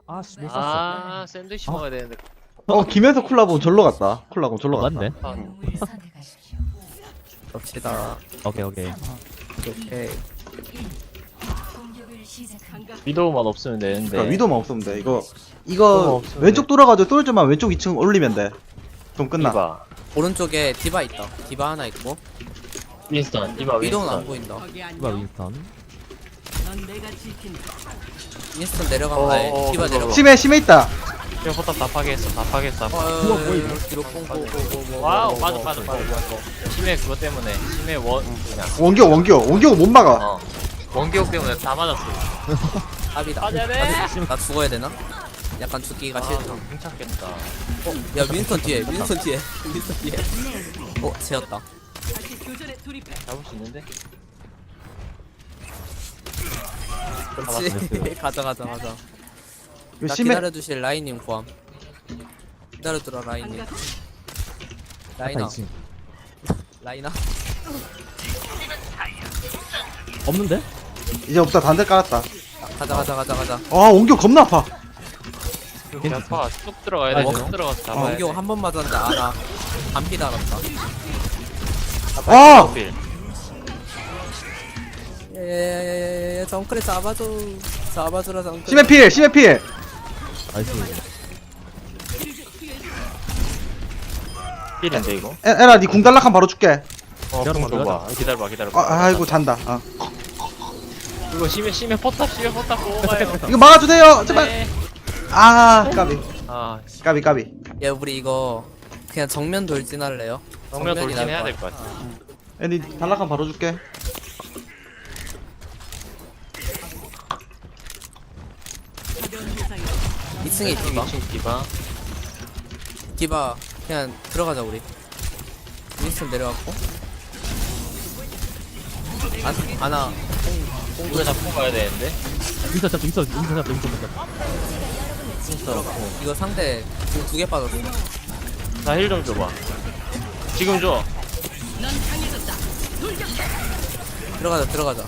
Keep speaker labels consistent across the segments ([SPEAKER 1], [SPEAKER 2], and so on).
[SPEAKER 1] 아씨 못 샀어.
[SPEAKER 2] 아 샌드위치 먹어야 되는데.
[SPEAKER 3] 김현석 콜라보 절로 갔다. 콜라보 절로 갔다.
[SPEAKER 1] 맞네.
[SPEAKER 4] 갑시다.
[SPEAKER 1] 오케이 오케이.
[SPEAKER 4] 오케이.
[SPEAKER 2] 위도우만 없으면 되는데.
[SPEAKER 3] 그러니까 위도만 없으면 돼.
[SPEAKER 2] 위도우만
[SPEAKER 3] 이거
[SPEAKER 2] 없으면
[SPEAKER 3] 왼쪽 돌아가지고 뚫지만 왼쪽 2층 올리면 돼. 그럼 끝나.
[SPEAKER 2] 디바.
[SPEAKER 4] 오른쪽에 디바 있다. 디바 하나 있고.
[SPEAKER 2] 윈스턴. 디바
[SPEAKER 4] 위도는 안
[SPEAKER 2] 윈스턴.
[SPEAKER 4] 보인다.
[SPEAKER 1] 이거 윈스턴.
[SPEAKER 4] 윈스턴 내려가면 아니, 디바
[SPEAKER 2] 그거.
[SPEAKER 4] 내려가.
[SPEAKER 3] 심해 있다.
[SPEAKER 2] 이거 포탑 다 파괴했어. 다 파괴했어.
[SPEAKER 1] 그거 보이네.
[SPEAKER 4] 뒤로 뽕뽕뽕뽕.
[SPEAKER 2] 와우 빠져. 심해 그거 때문에. 심해 그냥.
[SPEAKER 3] 원기호 못 막아.
[SPEAKER 2] 어. 원기옥 때문에 다 맞았어.
[SPEAKER 4] 답이다.
[SPEAKER 2] 맞아야 돼.
[SPEAKER 4] 나 죽어야 되나? 약간 죽기가 싫다.
[SPEAKER 2] 괜찮겠다.
[SPEAKER 4] 야 윈스턴 뒤에. 윈스턴 뒤에. 재웠다.
[SPEAKER 2] 잡을 수 있는데?
[SPEAKER 4] 그렇지. 가자.
[SPEAKER 3] 이거
[SPEAKER 4] 나
[SPEAKER 3] 심해.
[SPEAKER 4] 기다려주실 라인님 구함. 기다려주라 라인님. 라이나. 라이나.
[SPEAKER 1] 없는데?
[SPEAKER 3] 이제 없다. 단대 깔았다.
[SPEAKER 4] 가자.
[SPEAKER 3] 아 원기호 겁나 아파.
[SPEAKER 2] 이렇게 아파. 쑥 들어가야 돼. 쑥 들어가서 잡아야 돼.
[SPEAKER 4] 원경 한 번 맞았는데 알아. 반피 달았다.
[SPEAKER 3] 아!
[SPEAKER 2] 필.
[SPEAKER 4] 예, 정크레 잡아주라 정크레.
[SPEAKER 3] 심해 필.
[SPEAKER 1] 나이스.
[SPEAKER 2] 필인데 이거?
[SPEAKER 3] 에라 니 궁달락한 바로 줄게.
[SPEAKER 1] 기다려봐,
[SPEAKER 2] 줘봐. 기다려봐.
[SPEAKER 3] 아이고 잔다.
[SPEAKER 2] 이거 심해 포탑 뽑아요.
[SPEAKER 3] 이거 막아주세요. 제발.
[SPEAKER 2] 네.
[SPEAKER 3] 아 까비.
[SPEAKER 2] 아
[SPEAKER 3] 까비.
[SPEAKER 4] 야 우리 이거 그냥 정면 돌진할래요?
[SPEAKER 2] 정면
[SPEAKER 4] 정면이
[SPEAKER 2] 돌진해야
[SPEAKER 4] 나을
[SPEAKER 2] 될 것 같아.
[SPEAKER 3] 애니 달락한 바로 줄게.
[SPEAKER 4] 이 2층에 디바.
[SPEAKER 2] 2층 디바.
[SPEAKER 4] 디바 그냥 들어가자 우리. 윈스턴 내려갔고. 아나
[SPEAKER 2] 우리가 잡고 가야 되는데.
[SPEAKER 1] 윈스턴 잡자. 윈스턴 잡자.
[SPEAKER 4] 이거 상대 지금 2개 빠졌어.
[SPEAKER 2] 나 힐 좀 줘봐. 지금 줘.
[SPEAKER 4] 들어가자.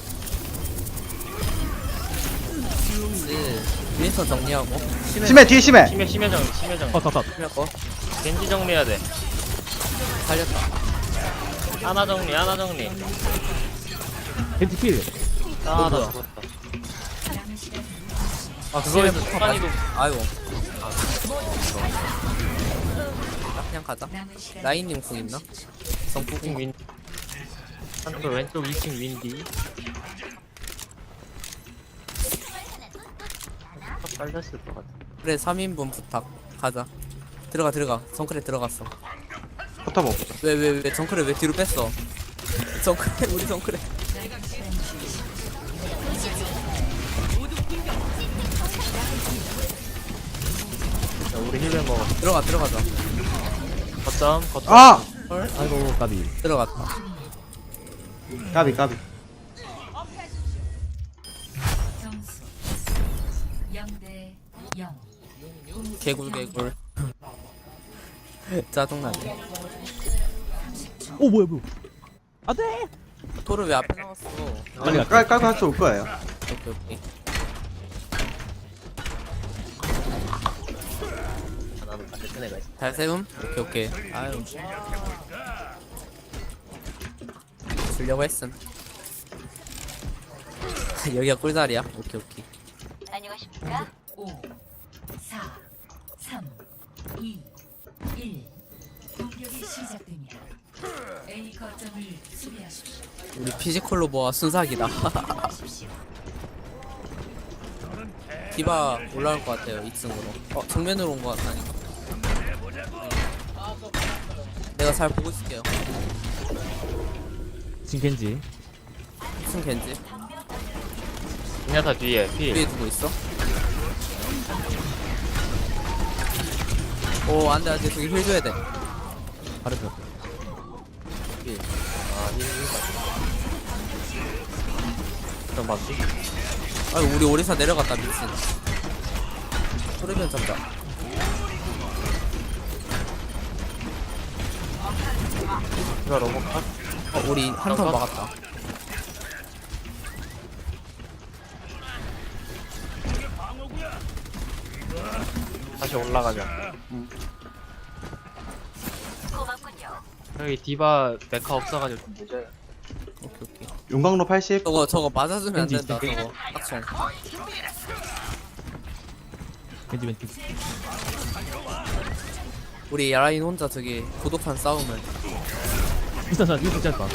[SPEAKER 4] 윈스턴 정리하고.
[SPEAKER 3] 심해 뒤에 심해.
[SPEAKER 2] 심해 정리.
[SPEAKER 1] 컷.
[SPEAKER 4] 심했고
[SPEAKER 2] 겐지 정리해야 돼.
[SPEAKER 4] 살렸다.
[SPEAKER 2] 하나 정리.
[SPEAKER 1] 겐지 필.
[SPEAKER 2] 아, 나
[SPEAKER 4] 뭐야?
[SPEAKER 2] 죽었다. 아, 그거에서 습관이도.
[SPEAKER 4] 아이고. 그냥 가자. 라인님 궁 있나? 정부 궁.
[SPEAKER 2] 윈. 한쪽 왼쪽 2층 윈디. 빨렸을 것 같아.
[SPEAKER 4] 그래 3인분 부탁. 가자. 들어가. 정크레 들어갔어.
[SPEAKER 3] 포탑 없어.
[SPEAKER 4] 왜 정크레 왜 뒤로 뺐어? 정크레 우리 정크레.
[SPEAKER 2] 자, 우리 힐을 먹어.
[SPEAKER 4] 들어가자.
[SPEAKER 2] 거점.
[SPEAKER 3] 아
[SPEAKER 1] 아이고 까비.
[SPEAKER 4] 들어갔다.
[SPEAKER 3] 까비.
[SPEAKER 5] 점수 0대 0.
[SPEAKER 4] 개굴. 짜증나네.
[SPEAKER 1] 오 뭐야. 안돼.
[SPEAKER 4] 토르 왜 앞에 나왔어?
[SPEAKER 1] 빨리 갈게.
[SPEAKER 3] 깔고 할 수 올 거예요.
[SPEAKER 4] 오케이.
[SPEAKER 2] 나는 반대편 애가 있어.
[SPEAKER 4] 잘 세움? 오케이. 아유. 주려고 했음. 여기가 꿀자리야? 오케이.
[SPEAKER 5] 안녕하십니까? 5 4 3 2 1. 공격이 시작됩니다. A 거점을 수비하십시오.
[SPEAKER 4] 우리 피지컬로 모아 순삭이다. 디바 올라올 것 같아요 2층으로. 정면으로 온 것 같다니까. 내가 잘 보고 있을게요.
[SPEAKER 1] 지금 겐지.
[SPEAKER 4] 2층 겐지
[SPEAKER 2] 그냥 다 뒤에 필.
[SPEAKER 4] 위에 두고 있어. 오 안돼 저기 힐 줘야 돼.
[SPEAKER 1] 잘했어.
[SPEAKER 2] 아, 힐. 좀 봤지?
[SPEAKER 4] 아유 우리 오리사 내려갔다 미친. 소리면 잡자.
[SPEAKER 2] 이거 로봇 컷?
[SPEAKER 4] 우리 한 턴 막았다.
[SPEAKER 2] 다시 올라가자.
[SPEAKER 5] 고맙군요.
[SPEAKER 2] 여기 디바 메카 없어가지고 좀 늦어요.
[SPEAKER 4] 오케이 오케이.
[SPEAKER 3] 용광로 80.
[SPEAKER 4] 저거 맞아주면 안
[SPEAKER 1] 겐지
[SPEAKER 4] 된다.
[SPEAKER 1] 있을게.
[SPEAKER 4] 저거 딱총.
[SPEAKER 1] 겐지 왼쪽.
[SPEAKER 4] 우리 야라인 혼자 저기 고독한 싸움을.
[SPEAKER 1] 윈스턴 짧다.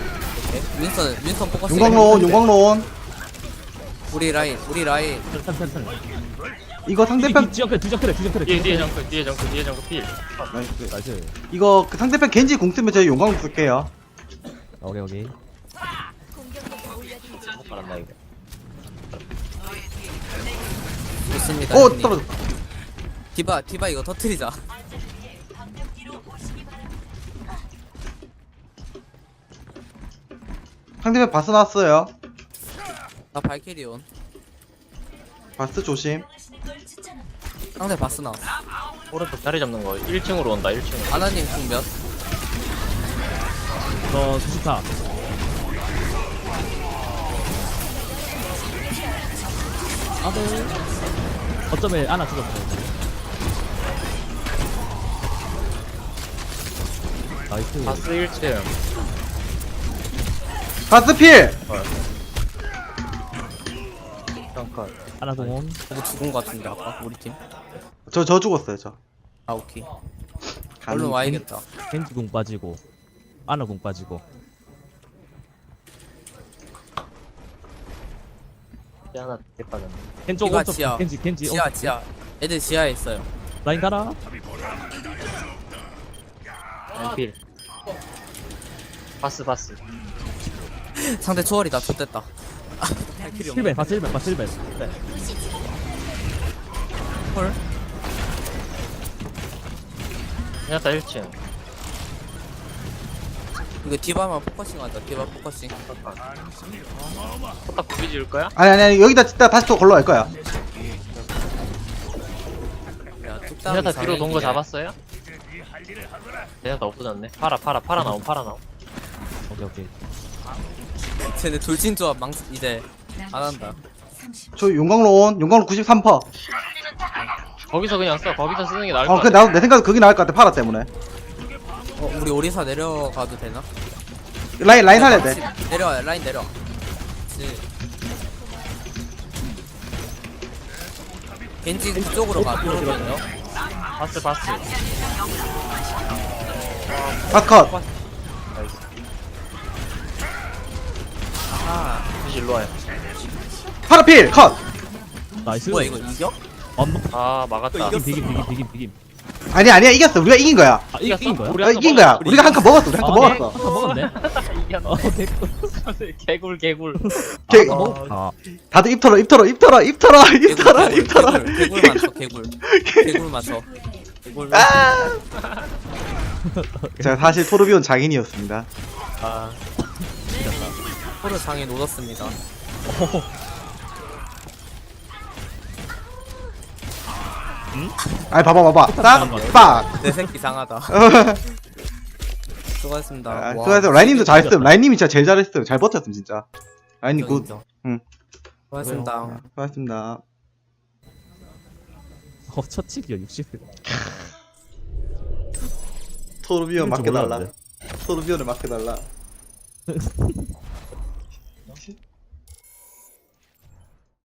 [SPEAKER 4] 윈선 포커스.
[SPEAKER 3] 용광로 온, 용광로 온.
[SPEAKER 4] 우리 라인.
[SPEAKER 1] 턴.
[SPEAKER 3] 이거 상대편
[SPEAKER 1] 주전 그래.
[SPEAKER 2] 뒤에 정크 필.
[SPEAKER 3] 나이스.
[SPEAKER 1] 나이스.
[SPEAKER 3] 이거 그 상대편 겐지 공 쓰면 저희 용광로 쓸게요.
[SPEAKER 1] 오케이.
[SPEAKER 2] 못 받았나 이거.
[SPEAKER 4] 좋습니다.
[SPEAKER 3] 오
[SPEAKER 4] 형님.
[SPEAKER 3] 떨어졌다.
[SPEAKER 4] 디바 이거 터트리자.
[SPEAKER 3] 상대편 바스 나왔어요.
[SPEAKER 4] 나 발키리온.
[SPEAKER 3] 바스 조심.
[SPEAKER 4] 상대 바스 나왔어.
[SPEAKER 2] 오른쪽 자리 잡는 거 1층으로 온다 1층.
[SPEAKER 4] 아나님 궁몇?
[SPEAKER 1] 너 수식타. 어쩌면 하나 죽었어. 나이스.
[SPEAKER 2] 바스 1층.
[SPEAKER 3] 바스 필.
[SPEAKER 2] 잠깐.
[SPEAKER 1] 하나 동원.
[SPEAKER 4] 저거 죽은 거 같은데 아까 우리 팀.
[SPEAKER 3] 저 죽었어요 저.
[SPEAKER 4] 아 오케이. 얼른 와야겠다.
[SPEAKER 1] 겐지 공 빠지고. 아나 공 빠지고.
[SPEAKER 2] 하나 대빠졌네.
[SPEAKER 1] 겐지
[SPEAKER 4] 이거
[SPEAKER 1] 오른쪽.
[SPEAKER 4] 지하.
[SPEAKER 1] 겐지
[SPEAKER 4] 지하. 애들 지하에 있어요.
[SPEAKER 1] 라인 가라.
[SPEAKER 2] 필. 바스.
[SPEAKER 4] 상대 초월이다. 좋됐다. 발키리 없네.
[SPEAKER 1] 7배 바스 1배.
[SPEAKER 4] 헐.
[SPEAKER 2] 그냥다 1층.
[SPEAKER 4] 이거 디바만 포커싱 하자. 디바 포커싱.
[SPEAKER 2] 포탑 구비 지을 거야?
[SPEAKER 3] 아니 여기다 진짜 다시 또 걸러갈 거야.
[SPEAKER 4] 야
[SPEAKER 2] 그냥다
[SPEAKER 4] 뚝딱이
[SPEAKER 2] 뒤로 돈 거
[SPEAKER 4] 장애인이네.
[SPEAKER 2] 잡았어요? 그냥다 없어졌네. 팔아 나옴.
[SPEAKER 1] 오케이.
[SPEAKER 4] 쟤네 돌진 조합 이제 안 한다.
[SPEAKER 3] 저 용광로 온. 용광로 93%.
[SPEAKER 2] 거기서 그냥 써. 거기서 쓰는 게 나을 것
[SPEAKER 3] 어, 그
[SPEAKER 2] 같아.
[SPEAKER 3] 나도 내 생각에 그게 나을 것 같아. 파라 때문에.
[SPEAKER 4] 우리 오리사 내려가도 되나?
[SPEAKER 3] 라인 살려야 돼.
[SPEAKER 4] 내려와 라인 내려. 그치. 겐지 그쪽으로 가. 그러면요.
[SPEAKER 2] 바스.
[SPEAKER 3] 바스 컷.
[SPEAKER 4] 아
[SPEAKER 2] 다시 일로 와요.
[SPEAKER 3] 파라 필 컷.
[SPEAKER 1] 나이스.
[SPEAKER 4] 뭐야 이거 이겨?
[SPEAKER 2] 아 막았다.
[SPEAKER 1] 비김.
[SPEAKER 3] 아니야 이겼어. 우리가 이긴 거야.
[SPEAKER 1] 아 이긴 거야?
[SPEAKER 2] 우리
[SPEAKER 3] 이긴 거야. 우리가 한 칸 먹었어. 우리 한 칸 먹었어.
[SPEAKER 1] 아까 먹었네.
[SPEAKER 2] 개굴.
[SPEAKER 3] 개-
[SPEAKER 1] 아
[SPEAKER 3] 다들 입 털어.
[SPEAKER 4] 개굴 맞춰. 개굴
[SPEAKER 3] 아! 제가 사실 토르비온 장인이었습니다.
[SPEAKER 2] 아
[SPEAKER 4] 서로 장에 놓았습니다.
[SPEAKER 3] 아니 봐봐. 딱.
[SPEAKER 4] 내 새끼 상하다. 수고하셨습니다.
[SPEAKER 3] 아,
[SPEAKER 4] 와,
[SPEAKER 3] 수고하세요. 라인님도 잘했음. 라인님이 진짜 제일 잘했음. 잘 버텼음 진짜. 라인님 굿.
[SPEAKER 4] 인정.
[SPEAKER 3] 응.
[SPEAKER 4] 수고하셨습니다.
[SPEAKER 3] 수고하셨습니다.
[SPEAKER 1] 첫 칙이야 60.
[SPEAKER 3] 토르비온
[SPEAKER 1] 이럴 줄
[SPEAKER 3] 맡겨달라.
[SPEAKER 1] 몰랐는데.
[SPEAKER 3] 토르비온을 맡겨달라.